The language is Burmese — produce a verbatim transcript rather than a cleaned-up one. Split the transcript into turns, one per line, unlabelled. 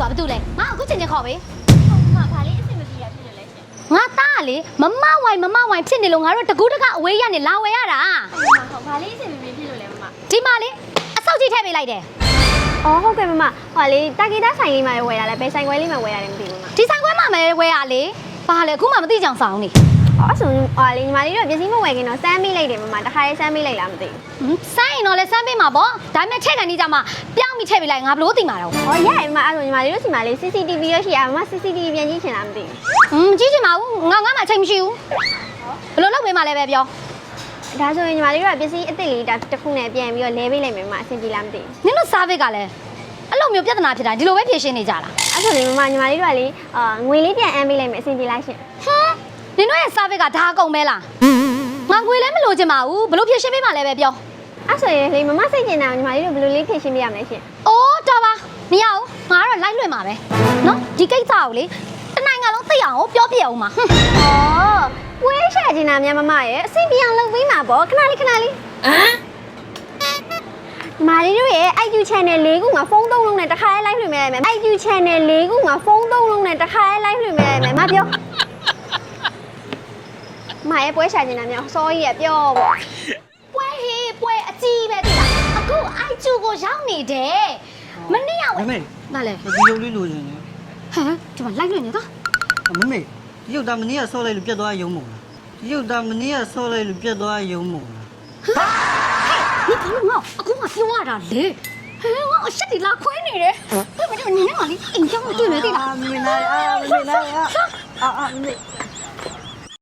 ဘာတူလဲငါအခုချိန်ချင်းခေါ်ပေး
ဟုတ်မှာဘာလေးအဆင်မပြေတာဖြစ်နေလဲရှင်
ငါသားလေမမဝိုင်မမဝိုင်ဖြစ်နေလို့ငါတို့တကူးတကအဝေးရနေလာဝယ်ရတာ
ဟုတ်ဟုတ်ဘာလေးအဆင်မပြေဖြစ်လို့လဲမမ
ဒီမှာလေအဆောက်ကြီးထည့်ပေးလိုက်တယ်
အော်ဟုတ်ကဲ့မမဟိုလေတာဂီတာဆိုင်လေးမှာဝယ်ရလဲဘယ်ဆိုင်ခွဲလေးမှာဝယ်ရတယ်မသိဘူးမမ
ဒီဆိုင်ခွဲမှာမယ်ဝယ်ရလေဘာလဲအခုမှမသိကြအောင်ဆောင်နေ
အော်အဆုံဟိုလေညီမလေးတို့ပစ္စည်းမဝယ်ခင်တော့စမ်းမိလိုက်တယ်မမတခါလေးစမ်းမိလိုက်လားမသိဘူး
စိုင်းတော့လဲစမ်းပေးမှာပေါ့ဒါပေမဲ့ထည့်ကန်နေကြမှာပြောင်းပြီးထည့်ပေးလိုက်ငါဘလို့သိမှာတော့
။အော်ရတယ်မအဲ့ဆိုညီမလေးတို့စီမလေး C C T V ရရှိရမမ C C T V ပြန်ကြည့်ချင်လားမသိဘူး
ဟွန်းကြည့်ချင်ပါဘူးငါငါမှအချိန်မရှိဘူးဘလို့လုပ်ပေးမှလဲပဲပြော
။ဒါဆိုရင်ညီမလေးတို့ကပစ္စည်းအစ်စ်လေးဒါတစ်ခုနဲ့ပြန်ပြီးတော့လဲပေးလိုက်မယ်မမအဆင်ပြေလားမသိဘူး
နင်တို့ service ကလည်းအဲ့လိုမျိုးပြဿနာဖြစ်တာဒီလိုပဲဖြေရှင်းနေကြလား
။အဲ့ဆိုရင်မမညီမလေးတို့ကလေအာငွေလေးပြန်အမ်းပေးလိုက်မယ်အဆင်ပြေလားရှင်
ဟမ်နင်တို့ရဲ့ service ကဒါအကုန်ပဲလားငါငွေလည်းမလိုချင်ပါဘူးဘလို့ဖြေရှင်းပေးမှလဲပဲပြော
။အဲ့ဆိုရင်လေမမစိတ်ကျင်တာညီမလေးတို့ဘယ်လိုလေးဖြည့်ရှင်းပေးရမလဲရှင်
အိုးတော်ပါမရဘူးငါကတော့လိုက်လွှင့်မှာပဲနော်ဒီကိစ္စကိုလေတနိုင်ငံလုံးသိအောင်ပြောပြအောင်ပါဟွန်း
။အော်ပွဲရှာကျင်တာများမမရဲ့အဆင်ပြေအောင်လုပ်ပေးမှာပေါ့ခဏလေးခဏလေး
ဟမ်
ညီမလေးတို့ရဲ့ I Q channel ၄ခုမှာဖုန်းသုံးလုံးနဲ့တစ်ခါလေး live လွှင့်ပေးလိုက်မယ် I Q channel ၄ခုမှာဖုန်းသုံးလုံးနဲ့တစ်ခါလေး live လွှင့်ပေးလိုက်မယ်မပြောမရဲ့ပွဲရှာကျင်တာများစောကြီးရပြောပေါ့
ပွဲဟေးပွဲအကြီးပဲတိလားအခုအိုက်ကျူကိုရောက်နေတယ်မနေ့ကဝ
မမေ
နားလေ
ဒီရုပ်လေးလိုချင်တယ်
ဟမ်ဒီမှာလိုက်လွှင့်နေတော့
မမေဒီရုပ်သားမနေ့ကဆော့လိုက်လို့ပြတ်သွားရုံမို့လားဒီရုပ်သားမနေ့ကဆော့လိုက်လို့ပြတ်သွားရုံမို့လား
你怎么我我跟我说话了嘞？哎，我我身体拉亏你嘞，对不对？你那里，你叫我对没对啦？
မမေနိုင်အာမမေနိုင်အာအာမမေ